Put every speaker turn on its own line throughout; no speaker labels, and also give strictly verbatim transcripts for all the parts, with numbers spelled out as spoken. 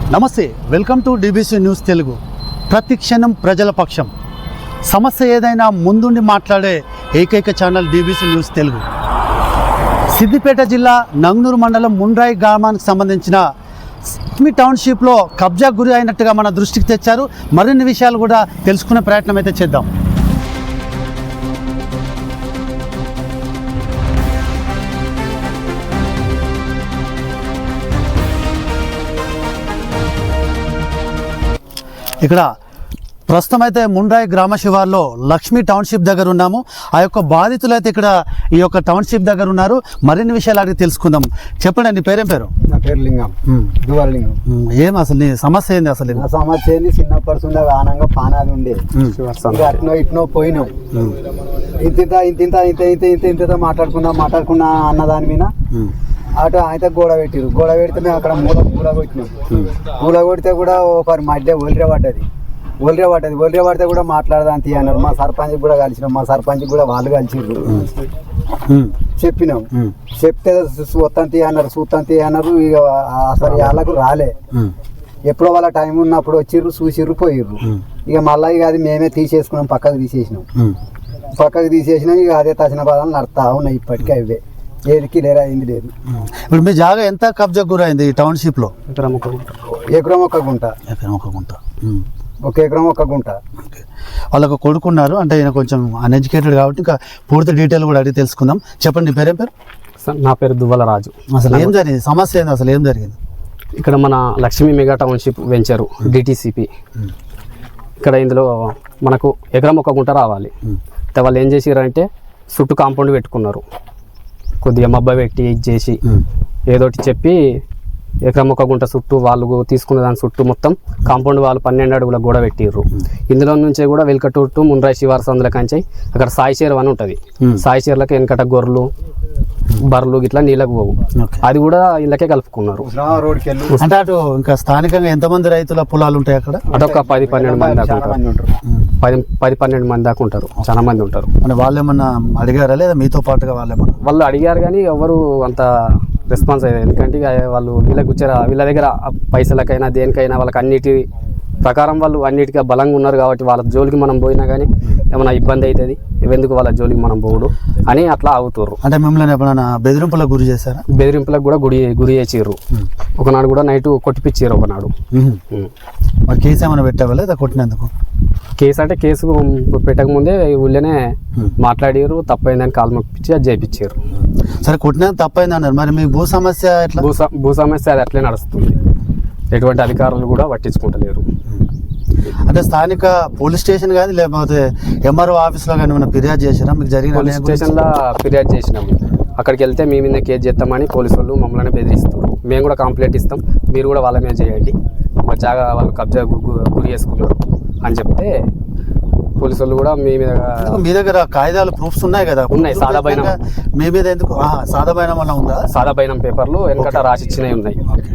నమస్తే, welcome to DBC news Telugu. ప్రతి క్షణం ప్రజల పక్షం. సమస్య ఏదైనా ముందుండి మాట్లాడే ఏకైక channel DBC news Telugu. Siddipet జిల్లా నంగనూరు మండలం ముండ్రాయి గ్రామానికి సంబంధించిన మీ టౌన్షిప్లో కబ్జా గురి అయినట్టుగా మన దృష్టికి తెచ్చారు. మరిన్ని విషయాలు కూడా తెలుసుకునే ప్రయత్నం అయితే చేద్దాం. ఇక్కడ ప్రస్తుతం అయితే ముండ్రాయి గ్రామ శివార్లో లక్ష్మీ టౌన్షిప్ దగ్గర ఉన్నాము. ఆ యొక్క బాధితులు అయితే ఇక్కడ ఈ యొక్క టౌన్షిప్ దగ్గర ఉన్నారు. మరిన్ని విషయాలు అడిగి తెలుసుకుందాం. చెప్పండి, నీ పేరేం పేరు?
నా పేరు లింగం, దువాల లింగం.
ఏం అసలు నీ సమస్య ఏంది? అసలు
నా సమస్య ఏంది? చిన్నప్పటి నుండి ఆనంగా పానాది ఉండే అట్నో ఇట్నో పోయినాం. ఇంత ఇంత ఇంత ఇంత ఇంత ఇంత ఇంత మాట్లాడుకున్నా మాట్లాడుకున్నా అన్న దాని మీద అటు అయితే గోడ పెట్టిరు. గోడ పెడితే మేము అక్కడ మూల మూల కొట్టినాం. మూల కొడితే కూడా ఒకరి మధ్య ఒలిరే పడ్డది ఒలిరే పడ్డది ఒలిరే పడితే కూడా మాట్లాడదాం తీ అన్నారు. మా సర్పంచ్ కూడా కలిసినాం. మా సర్పంచ్ కూడా వాళ్ళు కలిసిర్రు. చెప్పినాం. చెప్తే చూస్తాం తీ అన్నారు చూస్తాం తీ అన్నారు. ఇక అసలు వాళ్ళకు రాలే. ఎప్పుడో వాళ్ళ టైం ఉన్నప్పుడు వచ్చిర్రు, చూసిర్రు, పోయిర్రు. ఇక మళ్ళీ ఇక అది మేమే తీసేసుకున్నాం. పక్కకు తీసేసినాం. పక్కకు తీసేసినాం. ఇక అదే తసిన పదాలు నడుతా ఉన్నాయి ఇప్పటికీ. అవే ఏదికి లేరా అయింది లేదు.
ఇప్పుడు మీ జాగా ఎంత కబ్జా గురైంది ఈ టౌన్షిప్లో?
ఎకరం ఒక గుంట. ఎకరం ఒక గుంట.
ఎకరం ఒక గుంట.
ఒక ఎకరం ఒక గుంట.
వాళ్ళకు కొడుకున్నారు అంటే ఈయన కొంచెం అన్ఎడ్యుకేటెడ్ కాబట్టి ఇంకా పూర్తి డీటెయిల్ కూడా అడిగి తెలుసుకుందాం. చెప్పండి, నీ పేరేం పేరు?
నా పేరు దువ్వల రాజు.
అసలు ఏం జరిగింది? సమస్య ఏంది? అసలు ఏం జరిగింది?
ఇక్కడ మన Lakshmi mega township venture DTCP. ఇక్కడ ఇందులో మనకు ఎకరం ఒక గుంట రావాలి. వాళ్ళు ఏం చేసారంటే చుట్టూ కాంపౌండ్ పెట్టుకున్నారు. కొద్దిగా మబ్బ పెట్టి ఇది చేసి ఏదోటి చెప్పి ఎకరం ఒక గుంట చుట్టూ వాళ్ళు తీసుకున్న దాని చుట్టూ మొత్తం కాంపౌండ్ వాళ్ళు పన్నెండు అడుగుల గోడ పెట్టిర్రు. ఇందులో నుంచే కూడా వెల్కటూర్ టు ముండ్రాయి శివారు సందుల కంచి అక్కడ సాయి చేరు అని ఉంటుంది. సాయి చేర్లకి వెనకట గొర్రెలు బర్రెలు ఇట్లా నీళ్ళకు పోవు. అది కూడా ఇళ్ళకే కలుపుకున్నారు.
అంటే అటు ఇంకా స్థానికంగా ఎంతమంది రైతుల పొలాలు ఉంటాయి అక్కడ?
అటొక పది పన్నెండు మంది దాకా ఉంటారు. పది పది పన్నెండు మంది దాకా ఉంటారు. చాలా మంది ఉంటారు.
అంటే వాళ్ళు ఏమన్నా అడిగారా లేదా మీతో పాటుగా? వాళ్ళు ఏమన్నా
వాళ్ళు అడిగారు కానీ ఎవరు అంత రెస్పాన్స్ అయ్యేది. ఎందుకంటే వాళ్ళు వీళ్ళకి వచ్చారా వీళ్ళ దగ్గర పైసలకైనా దేనికైనా వాళ్ళకి అన్నిటి ప్రకారం వాళ్ళు అన్నిటికీ బలంగా ఉన్నారు కాబట్టి వాళ్ళ జోలికి మనం పోయినా కానీ ఏమైనా ఇబ్బంది అవుతుంది. ఇవెందుకు వాళ్ళ జోలికి మనం పోవుడు అని అట్లా ఆగుతారు.
అంటే మిమ్మల్ని ఎప్పుడైనా బెదిరింపులకు గురి చేశారా?
బెదిరింపులకు కూడా గురి గురి చేసిర్రు. ఒకనాడు కూడా నైట్ కొట్టిపిచ్చిర్రు. ఒకనాడు
మరి కేసు ఏమైనా పెట్టావా లేదా కొట్టినందుకు?
కేసు అంటే కేసు పెట్టకముందే ఊళ్ళోనే మాట్లాడారు. తప్పైందని కాలు మొప్పించి అది చేయించారు.
సరే, కొట్టినందుకు తప్పైంది అన్నారు. మరి మీ భూ సమస్య ఎట్లా?
భూ భూ సమస్య అది అట్లే నడుస్తుంది. ఎటువంటి అధికారులు కూడా పట్టించుకుంటలేరు.
అంటే స్థానిక పోలీస్ స్టేషన్ కానీ లేకపోతే ఎంఆర్ఓ ఆఫీస్లో కానీ ఏమైనా ఫిర్యాదు చేసినా? మీకు జరిగిన
పోలీస్ స్టేషన్లో ఫిర్యాదు చేసినాము. అక్కడికి వెళ్తే మీ మీద కేసు చేస్తామని పోలీసు వాళ్ళు మమ్మల్ని బెదిరిస్తారు. మేము కూడా కంప్లైంట్ ఇస్తాం, మీరు కూడా వాళ్ళ మీద చేయండి, మా జాగా వాళ్ళు కబ్జా గురి చేసుకున్నారు అని చెప్తే పోలీసు వాళ్ళు కూడా మీ మీద
మీ దగ్గర కాగితాలు ప్రూఫ్స్ ఉన్నాయి కదా?
ఉన్నాయి. సాదా బైనం
మీ మీద ఎందుకు? సాదా బైనం వల్ల ఉందా?
సాదా బైనం పేపర్లు వెనకట రాసిచ్చినవి ఉన్నాయి.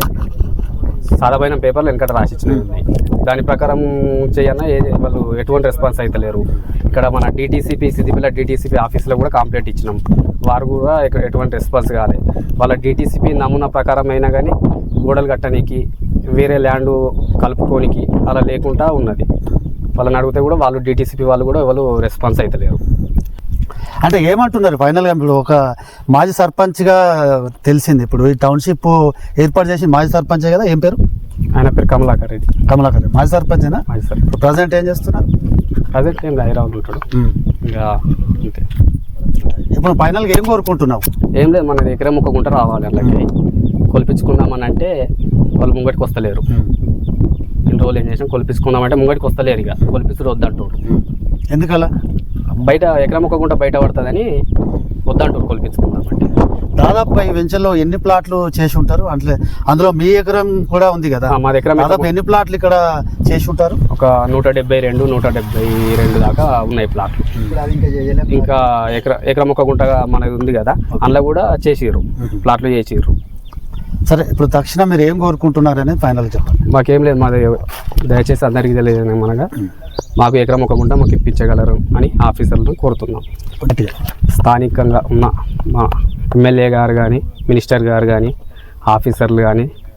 సాదా బైనం పేపర్లు వెనకట రాసిచ్చినవి ఉన్నాయి. దాని ప్రకారం చేయన్నా ఏ వాళ్ళు ఎటువంటి రెస్పాన్స్ అయితే లేరు. ఇక్కడ మన డిటీసీపీ సిద్దిపేట డిటీసీపీ ఆఫీస్లో కూడా కంప్లైంట్ ఇచ్చినాం. వారు కూడా ఎటువంటి రెస్పాన్స్ కాలే. వాళ్ళ డిటీసీపీ నమూనా ప్రకారం అయినా కానీ గోడలు కట్టడానికి వేరే ల్యాండ్ కలుపుకోనికి అలా లేకుండా ఉన్నది. వాళ్ళని అడిగితే కూడా వాళ్ళు డిటీసీపీ వాళ్ళు కూడా ఎవరు రెస్పాన్స్ అయితే లేరు.
అంటే ఏమంటున్నారు ఫైనల్గా? ఇప్పుడు ఒక మాజీ సర్పంచ్గా తెలిసింది. ఇప్పుడు ఈ టౌన్షిప్ ఏర్పాటు చేసి మాజీ సర్పంచే కదా? ఏం పేరు
ఆయన? పేరు కమలాకర్ రెడ్డి.
కమలాకర్ రెడ్డి మాజీ సర్పంచేనా?
మాజీ సర్పంచ్.
ప్రజెంట్ ఏం చేస్తున్నారు?
ప్రజెంట్ ఏం హైదరాబాద్ ఉంటాడు. ఇంకా అంతే.
ఇప్పుడు ఫైనల్గా ఏం కోరుకుంటున్నావు?
ఏం లేదు, మనది ఎకరం ఒక గుంట రావాలి. అలాగే కొలిపించుకుందామని అంటే వాళ్ళు ముంగటికి వస్తలేరు. ఇన్ని రోజులు ఏం చేసినా కొలిపించుకుందామంటే ముంగటికి వస్తలేరు. ఇక కొలిపించుడు వద్దంటారు.
ఎందుకలా?
బయట ఎకరం ఒక గుంట బయట పడుతుందని వద్దంటారు కొలిపించుకుందామంటే.
దాదాపు ఈ వెంచర్లో ఎన్ని ప్లాట్లు చేసి ఉంటారు? అంటే అందులో మీ ఎకరం కూడా ఉంది కదా?
మా ఎకరం
దాదాపు ఎన్ని ప్లాట్లు ఇక్కడ చేసి ఉంటారు?
ఒక నూట డెబ్బై రెండు నూట డెబ్బై రెండు దాకా ఉన్నాయి ప్లాట్లు. ఇంకా ఎకర ఎకరం ఒక గుంట మనది ఉంది కదా, అందులో కూడా చేసిర్రు, ప్లాట్లు చేసిర్రు.
సరే, ఇప్పుడు తక్షణం మీరు ఏం కోరుకుంటున్నారు అనేది ఫైనల్ చెప్పండి.
మాకేం లేదు, మాది దయచేసి అందరికీ తెలియదు మనగా మాకు ఎకరం ఒక గుంట మాకు ఇప్పించగలరు అని ఆఫీసర్లను కోరుతున్నాం. స్థానికంగా ఉన్న మా ఎమ్మెల్యే గారు కానీ మినిస్టర్ గారు కానీ ఆఫీసర్లు కానీ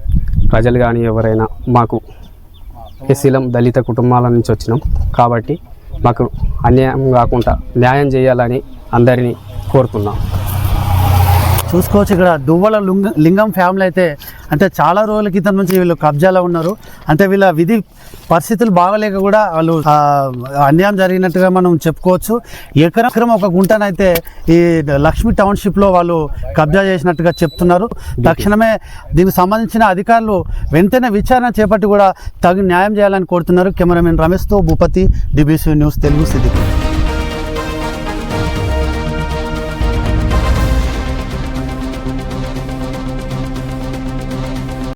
ప్రజలు కానీ ఎవరైనా మాకు ఎస్సీలం దళిత కుటుంబాల నుంచి వచ్చినాం కాబట్టి మాకు అన్యాయం కాకుండా న్యాయం చేయాలని అందరినీ కోరుతున్నాం.
చూసుకోవచ్చు ఇక్కడ దువ్వల లింగ లింగం ఫ్యామిలీ అయితే అంటే చాలా రోజుల క్రితం నుంచి వీళ్ళు కబ్జాలో ఉన్నారు. అంటే వీళ్ళ విధి పరిస్థితులు బాగలేక కూడా వాళ్ళు ఆ, అన్యాయం జరిగినట్టుగా మనం చెప్పుకోవచ్చు. ఎకరం ఎకరం ఒక గుంటనైతే ఈ లక్ష్మీ టౌన్షిప్లో వాళ్ళు కబ్జా చేసినట్టుగా చెప్తున్నారు. తక్షణమే దీనికి సంబంధించిన అధికారులు వెంటనే విచారణ చేపట్టి కూడా తగిన న్యాయం చేయాలని కోరుతున్నారు. కెమెరామెన్ రమేష్తో భూపతి, డిబిసి న్యూస్ తెలుగు, సిద్దిపేట.